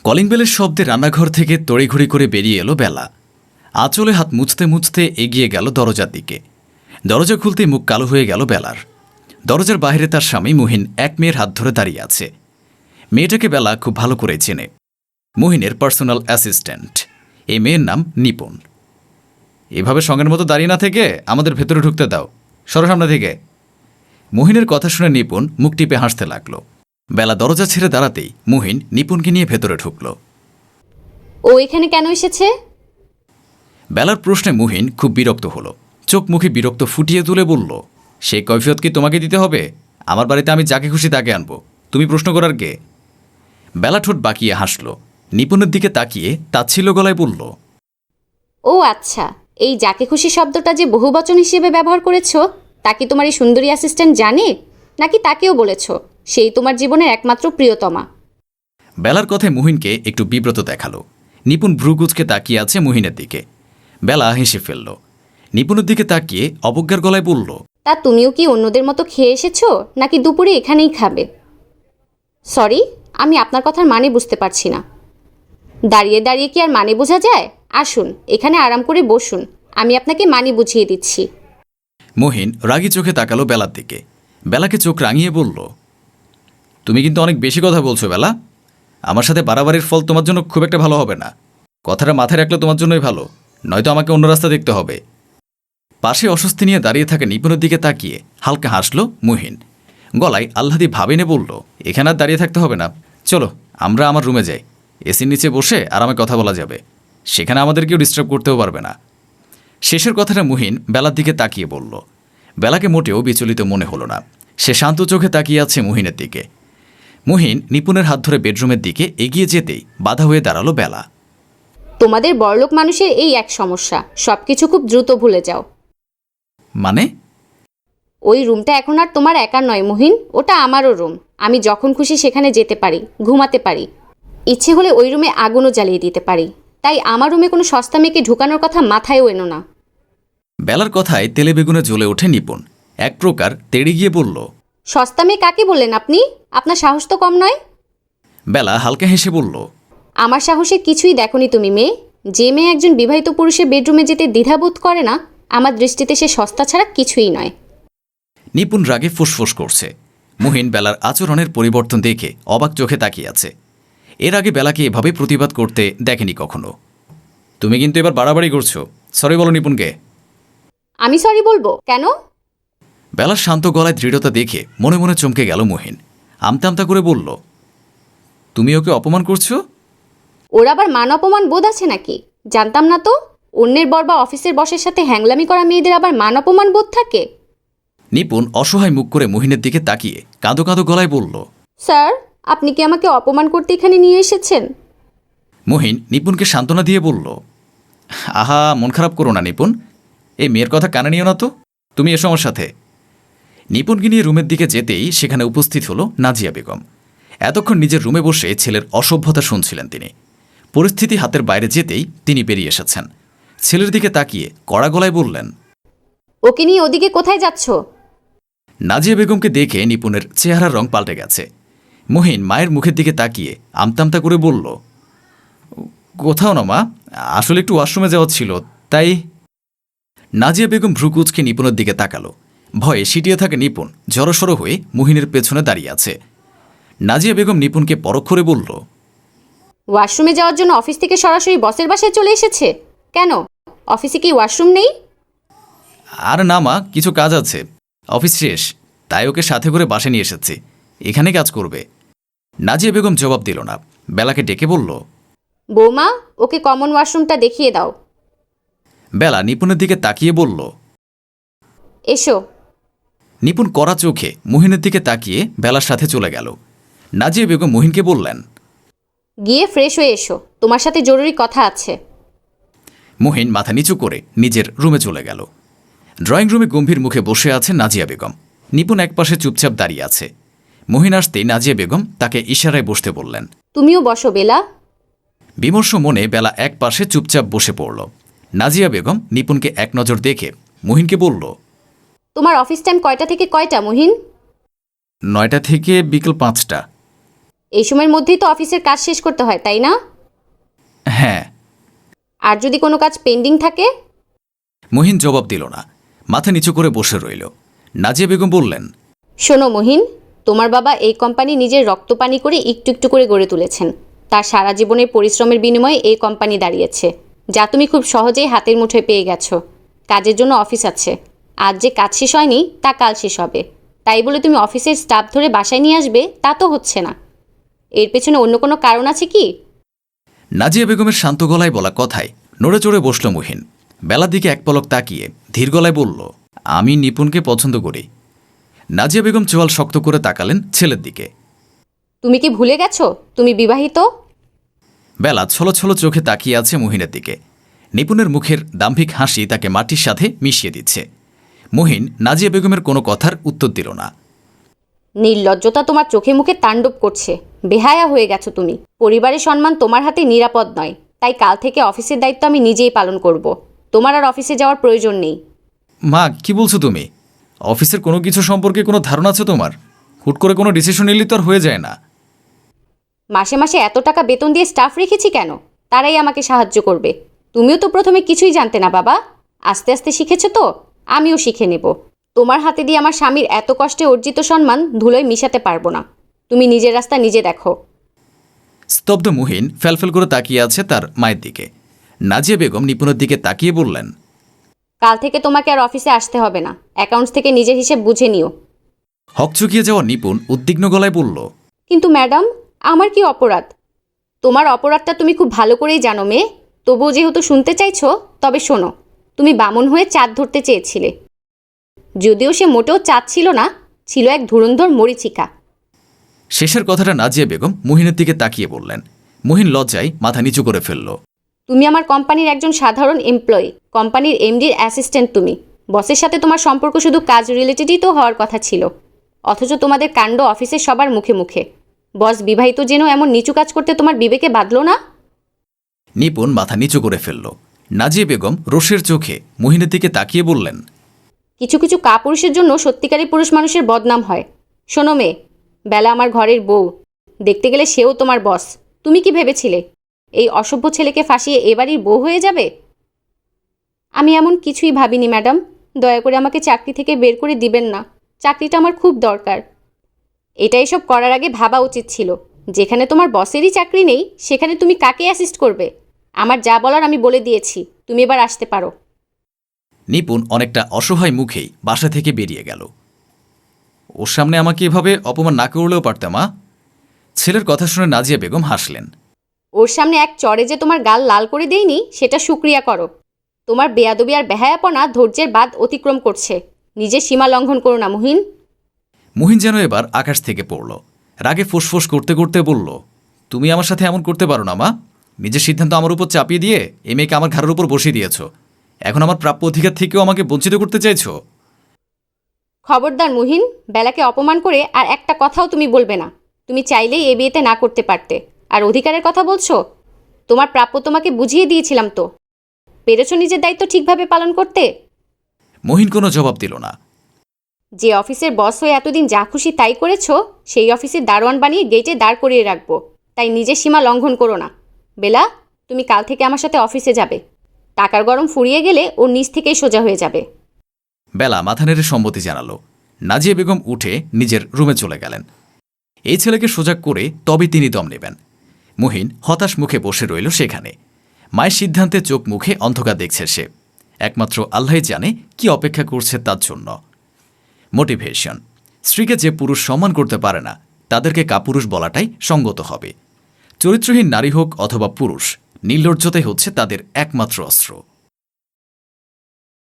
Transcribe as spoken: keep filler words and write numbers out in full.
Calling বেলের শব্দে রান্নাঘর থেকে তড়িঘড়ি করে বেরিয়ে এলো বেলা। আঁচলে হাত মুছতে মুছতে এগিয়ে গেল দরজার দিকে। দরজা খুলতেই মুখ কালো হয়ে গেল বেলার। দরজার বাইরে তার স্বামী মুহিন এক মেয়ের হাত ধরে দাঁড়িয়ে আছে। মেয়েটাকে বেলা খুব ভালো করে চেনে, মুহিনের পার্সোনাল অ্যাসিস্ট্যান্ট। এই মেয়ের নাম নিপুণ। এভাবে সঙ্গের মতো দাঁড়িয়ে না থেকে আমাদের ভেতরে ঢুকতে দাও, সরো সামনে থেকে। মুহিনের কথা শুনে নিপুণ মুখ টিপে হাসতে লাগলো। বেলা দরজা ছেড়ে দাঁড়াতেই মুহিন নিপুণকে নিয়ে ভেতরে ঢুকল। ও এখানে কেন এসেছে? বেলার প্রশ্নে মুহিন খুব বিরক্ত হলো। চোখ মুখে বিরক্ত ফুটিয়ে তুলে বলল, সেই কৈফিয়ত কি তোমাকে দিতে হবে? আমার বাড়িতে আমি যাকে খুশি তাকে আনবো, তুমি প্রশ্ন করার কে? বেলা ঠোঁট বাঁকিয়ে হাসল। নিপুণের দিকে তাকিয়ে তাচ্ছিল্য গলায় বলল, ও আচ্ছা, এই যাকে খুশি শব্দটা যে বহুবচন হিসেবে ব্যবহার করেছ, তা কি তোমার এই সুন্দরী অ্যাসিস্ট্যান্ট জানে, নাকি তাকেও বলেছ সেই তোমার জীবনের একমাত্র প্রিয়তমা? বেলার কথায় মুহিনকে একটু বিব্রত দেখালো। নিপুণ ভ্রুকুচকে তাকিয়ে আছে মুহিনের দিকে। বেলা হেসে ফেলল। নিপুণের দিকে তাকিয়ে অবজ্ঞার গলায় বলল, তা তুমিও কি অন্যদের মতো খেয়ে এসেছো, নাকি দুপুরে এখানেই খাবে? সরি, আমি আপনার কথার মানে বুঝতে পারছি না। দাঁড়িয়ে দাঁড়িয়ে কি আর মানে বোঝা যায়? আসুন, এখানে আরাম করে বসুন, আমি আপনাকে মানে বুঝিয়ে দিচ্ছি। মুহিন রাগী চোখে তাকালো বেলার দিকে। বেলাকে চোখ রাঙিয়ে বলল, তুমি কিন্তু অনেক বেশি কথা বলছো বেলা। আমার সাথে বাড়াবাড়ির ফল তোমার জন্য খুব একটা ভালো হবে না। কথাটা মাথায় রাখলে তোমার জন্যই ভালো, নয়তো আমাকে অন্য রাস্তা দেখতে হবে। পাশে অস্বস্তি নিয়ে দাঁড়িয়ে থাকা নিপুণের দিকে তাকিয়ে হালকা হাসল মুহিন। গলায় আহ্লাদি ভাবিনে বলল, এখানে আর দাঁড়িয়ে থাকতে হবে না, চলো আমরা আমার রুমে যাই। এসির নিচে বসে আরামে কথা বলা যাবে, সেখানে আমাদের কেউ ডিস্টার্ব করতেও পারবে না। শেষের কথাটা মুহিন বেলার দিকে তাকিয়ে বলল। বেলাকে মোটেও বিচলিত মনে হলো না। সে শান্ত চোখে তাকিয়ে আছে মুহিনের দিকে। মুহিন নিপুণের হাত ধরে বেডরুমের দিকে এগিয়ে যেতেই বাধা হয়ে দাঁড়ালো বেলা। তোমাদের বড়লোক মানুষের এই এক সমস্যা, সবকিছু খুব দ্রুত ভুলে যাও। মানে? ওই রুমটা এখন আর তোমার একার নয় মুহিন, ওটা আমারও রুম। আমি যখন খুশি সেখানে যেতে পারি, ঘুমাতে পারি, ইচ্ছে হলে ওই রুমে আগুনও জ্বালিয়ে দিতে পারি। তাই আমার রুমে কোনো সস্তা মেয়েকে ঢুকানোর কথা মাথায়ও এনো না। বেলার কথায় তেলে বেগুনে জ্বলে ওঠে নিপুণ। এক প্রকার তেড়ে গিয়ে বলল, সস্তা মেয়ে কাকে বললেন আপনি? আপনার সাহস তো কম নয়। বেলা হালকা হেসে বলল, আমার সাহসের কিছুই দেখনি তুমি মেয়ে। যে মেয়ে একজন বিবাহিত পুরুষের বেডরুমে যেতে দ্বিধাবোধ করে না, আমার দৃষ্টিতে সে সস্তা ছাড়া কিছুই নয়। নিপুণ রাগে ফুসফুস করছে। মুহিন বেলার আচরণের পরিবর্তন দেখে অবাক চোখে তাকিয়ে আছে। এর আগে বেলাকে এভাবে প্রতিবাদ করতে দেখেনি কখনো। তুমি কিন্তু এবার বাড়াবাড়ি করছো, সরি বলো নিপুণকে। আমি সরি বলবো কেন? বেলার শান্ত গলায় দৃঢ়তা দেখে মনে মনে চমকে গেল মুহিন। আমতা আমতা করে বলল, তুমি ওকে অপমান করছো? ওর আবার মান অপমান বোধ আছে নাকি? জানতাম না তো। অন্যের বর বা অফিসের বসের সাথে হ্যাংলামি করা মেয়েদের আবার মান অপমান বোধ থাকে? নিপুণ অসহায় মুখ করে মুহিনের দিকে তাকিয়ে কাঁদো কাঁদো গলায় বলল, স্যার, আপনি কি আমাকে অপমান করতে এখানে নিয়ে এসেছেন? মুহিন নিপুণকে সান্ত্বনা দিয়ে বলল, আহা মন খারাপ করো না নিপুণ, এই মেয়ের কথা কানে নিও না তো, তুমি এসো আমার সাথে। নিপুণকে নিয়ে রুমের দিকে যেতেই সেখানে উপস্থিত হলো নাজিয়া বেগম। এতক্ষণ নিজের রুমে বসে ছেলের অসভ্যতা শুনছিলেন তিনি। পরিস্থিতি হাতের বাইরে যেতেই তিনি বেরিয়ে এসেছেন। ছেলের দিকে তাকিয়ে কড়া গলায় বললেন, ওকে নিয়ে ওদিকে কোথায় যাচ্ছ? নাজিয়া বেগমকে দেখে নিপুণের চেহারার রং পাল্টে গেছে। মুহিন মায়ের মুখের দিকে তাকিয়ে আমতামতা করে বলল, কোথাও না মা, আসলে একটু ওয়াশরুমে যাওয়া ছিল তাই। নাজিয়া বেগম ভ্রুকুচকে নিপুণের দিকে তাকালো। ভয়ে সিটিয়ে থাকা নিপুণ জড়সড় হয়ে মুহিনের পেছনে দাঁড়িয়ে আছে। নাজিয়া বেগম নিপুণকে পরখ করে বলল, ওয়াশরুমে যাওয়ার জন্য অফিস থেকে সরাসরি বসের বাসায় চলে এসেছে কেন? অফিসে কি ওয়াশরুম নেই? আর না মা, কিছু কাজ আছে, অফিস শেষ, তাই ওকে সাথে করে বাসে নিয়ে এসেছি, এখানে কাজ করবে। নাজিয়া বেগম জবাব দিল না। বেলাকে ডেকে বলল, বৌমা, ওকে কমন ওয়াশরুমটা দেখিয়ে দাও। বেলা নিপুণের দিকে তাকিয়ে বলল, এসো। নিপুণ কড়া চোখে মুহিনের দিকে তাকিয়ে বেলার সাথে চলে গেল। নাজিয়া বেগম মুহিনকে বললেন, গিয়ে ফ্রেশ হয়ে এসো, তোমার সাথে জরুরি কথা আছে। মুহিন মাথা নিচু করে নিজের রুমে চলে গেল। ড্রয়িং রুমে গম্ভীর মুখে বসে আছে নাজিয়া বেগম। নিপুণ একপাশে চুপচাপ দাঁড়িয়ে আছে। মুহিন আসতেই নাজিয়া বেগম তাকে ইশারায় বসতে বললেন। তুমিও বসো বেলা। বিমর্ষ মনে বেলা এক পাশে চুপচাপ বসে পড়ল। নাজিয়া বেগম নিপুণকে এক নজর দেখে মুহিনকে বলল, তোমার অফিস টাইম কয়টা থেকে কয়টা মুহিন? নয়টা থেকে বিকেল পাঁচটা। এই সময়ের মধ্যেই তো অফিসের কাজ শেষ করতে হয়, তাই না? হ্যাঁ। আর যদি কোনো কাজ পেন্ডিং থাকে? মহিন জবাব দিল না, মাথা নিচু করে বসে রইল। নাজিয়া বেগম বললেন, শোনো মহিন, তোমার বাবা এই কোম্পানি নিজের রক্তপানি করে একটু একটু করে গড়ে তুলেছেন। তার সারা জীবনের পরিশ্রমের বিনিময়ে এই কোম্পানি দাঁড়িয়েছে, যা তুমি খুব সহজেই হাতের মুঠোয় পেয়ে গেছো। কাজের জন্য অফিস আছে, আজ যে কাজ শেষ হয়নি তা কাল শেষ হবে। তাই বলে তুমি অফিসের স্টাফ ধরে বাসায় নিয়ে আসবে তা তো হচ্ছে না। এর পেছনে অন্য কোনো কারণ আছে কি? নাজিয়া বেগমের শান্ত গলায় বলা কথায় নড়ে চড়ে বসল মহিন। বেলার দিকে এক পলক তাকিয়ে ধীর গলায় বলল, আমি নিপুণকে পছন্দ করি। নাজিয়া বেগম চোয়াল শক্ত করে তাকালেন ছেলের দিকে। তুমি কি ভুলে গেছো তুমি বিবাহিত? বেলা ছলো ছলো চোখে তাকিয়ে আছে মহিনের দিকে। নিপুণের মুখের দাম্ভিক হাসি তাকে মাটির সাথে মিশিয়ে দিচ্ছে। মহিন নাজিয়া বেগমের কোনো কথার উত্তর দিল না। নির্লজ্জতা তোমার চোখে মুখে তাণ্ডব করছে। বেহায়া হয়ে গেছো তুমি। পরিবারের সম্মান তোমার হাতে নিরাপদ নয়, তাই কাল থেকে অফিসের দায়িত্ব আমি নিজেই পালন করব। তোমার আর অফিসে যাওয়ার প্রয়োজন নেই। মা, কি বলছো তুমি? অফিসের কোনো কিছু সম্পর্কে কোনো ধারণা আছে তোমার? হুট করে কোনো ডিসিশন নিলে তো আর হয়ে যায় না। মাসে মাসে এত টাকা বেতন দিয়ে স্টাফ রেখেছি কেন? তারাই আমাকে সাহায্য করবে। তুমিও তো প্রথমে কিছুই জানতে না বাবা, আস্তে আস্তে শিখেছো তো, আমিও শিখে নেব। তোমার হাতে দিয়ে আমার স্বামীর এত কষ্টে অর্জিত সম্মান ধুলোয় মিশাতে পারবো না। তুমি নিজের রাস্তা নিজে দেখো। স্তব্ধ মহিন ফ্যালফেল করে তাকিয়ে আছে তার মায়ের দিকে। নাজিয়া বেগম নিপুণের দিকে তাকিয়ে বললেন, কাল থেকে তোমাকে আর অফিসে আসতে হবে না। অ্যাকাউন্টস থেকে নিজের হিসেব বুঝে নিও। হকচকিয়ে যাওয়া নিপুণ উদ্বিগ্ন গলায় বলল, কিন্তু ম্যাডাম, আমার কি অপরাধ? তোমার অপরাধটা তুমি খুব ভালো করেই জানো মেয়ে। তবুও যেহেতু শুনতে চাইছো, তবে শোনো। তুমি বামন হয়ে চাঁদ ধরতে চেয়েছিলে, যদিও সে মোটেও চাঁদ ছিল না, ছিল এক ধুরন্ধর মরীচিকা। শেষের কথাটা নাজিয়া বেগম মহিনের দিকে তাকিয়ে বললেন। মহিন লজ্জায় মাথা নিচু করে ফেলল। তুমি আমার কোম্পানির একজন সাধারণ এমপ্লয়ি, কোম্পানির এমডির অ্যাসিস্ট্যান্ট তুমি। বসের সাথে তোমার সম্পর্ক শুধু কাজ রিলেটেডই তো হওয়ার কথা ছিল, অথচ তোমাদের কাণ্ড অফিসের সবার মুখে মুখে। বস বিবাহিত যেন এমন নিচু কাজ করতে তোমার বিবেকে বাঁধলো না? নিপুণ মাথা নিচু করে ফেলল। নাজিয়া বেগম রোষের চোখে মহিনের দিকে তাকিয়ে বললেন, কিছু কিছু কাপুরুষের জন্য সত্যিকারী পুরুষ মানুষের বদনাম হয়। শোনো মেয়ে, বেলা আমার ঘরের বউ, দেখতে গেলে সেও তোমার বস। তুমি কি ভেবেছিলে এই অসভ্য ছেলেকে ফাঁসিয়ে এবারই বউ হয়ে যাবে? আমি এমন কিছুই ভাবিনি ম্যাডাম। দয়া করে আমাকে চাকরি থেকে বের করে দিবেন না। চাকরিটা আমার খুব দরকার। এটা এসব করার আগে ভাবা উচিত ছিল। যেখানে তোমার বসেরই চাকরি নেই, সেখানে তুমি কাকে অ্যাসিস্ট করবে? আমার যা বলার আমি বলে দিয়েছি, তুমি এবার আসতে পারো। নিপুণ অনেকটা অসহায় মুখেই বাসা থেকে বেরিয়ে গেল। ওর সামনে আমাকে এভাবে অপমান না করলেও পারতাম। মা, ছেলের কথা শুনে নাজিয়া বেগম হাসলেন। ওর সামনে এক চড়ে যে তোমার গাল লাল করে দেইনি, সেটা শুক্রিয়া করো। তোমার বেয়াদবি আর বেহায়াপনা ধৈর্যের বাদ অতিক্রম করছে। নিজের সীমা লঙ্ঘন করো না মহিন। মহিন যেন এবার আকাশ থেকে পড়ল। রাগে ফোঁসফোঁস করতে করতে বলল, তুমি আমার সাথে এমন করতে পারো না মা। নিজের সিদ্ধান্ত আমার উপর চাপিয়ে দিয়ে এই মেয়েকে আমার ঘাড়ের উপর বসিয়ে দিয়েছ। এখন আমার প্রাপ্য অধিকার থেকেও আমাকে বঞ্চিত করতে চাইছ। খবরদার মহিন, বেলাকে অপমান করে আর একটা কথাও তুমি বলবে না। তুমি চাইলেই এ বিয়েতে না করতে পারতে। আর অধিকারের কথা বলছো? তোমার প্রাপ্য তোমাকে বুঝিয়ে দিয়েছিলাম তো। পেরেছো নিজের দায়িত্ব ঠিকভাবে পালন করতে? মহিন কোনো জবাব দিল না। যে অফিসের বস হয়ে এতদিন যা খুশি তাই করেছো, সেই অফিসের দারোয়ান বানিয়ে গেটে দাঁড় করিয়ে রাখবো। তাই নিজের সীমা লঙ্ঘন করো না। বেলা, তুমি কাল থেকে আমার সাথে অফিসে যাবে। টাকার গরম ফুরিয়ে গেলে ওর নিচ থেকেই সোজা হয়ে যাবে। বেলা মাথা নেড়ে সম্মতি জানালো। নাজিয়া বেগম উঠে নিজের রুমে চলে গেলেন। এই ছেলেকে সোজা করে তবে তিনি দম নেবেন। মহিন হতাশ মুখে বসে রইল সেখানে। মায়ের সিদ্ধান্তে চোখ মুখে অন্ধকার দেখছে সে। একমাত্র আল্লাহই জানে কি অপেক্ষা করছে তার জন্য। মোটিভেশন। স্ত্রীকে যে পুরুষ সম্মান করতে পারে না, তাদেরকে কাপুরুষ বলাটাই সঙ্গত হবে। চরিত্রহীন নারী হোক অথবা পুরুষ, নির্লজ্জতাই হচ্ছে তাদের একমাত্র অস্ত্র।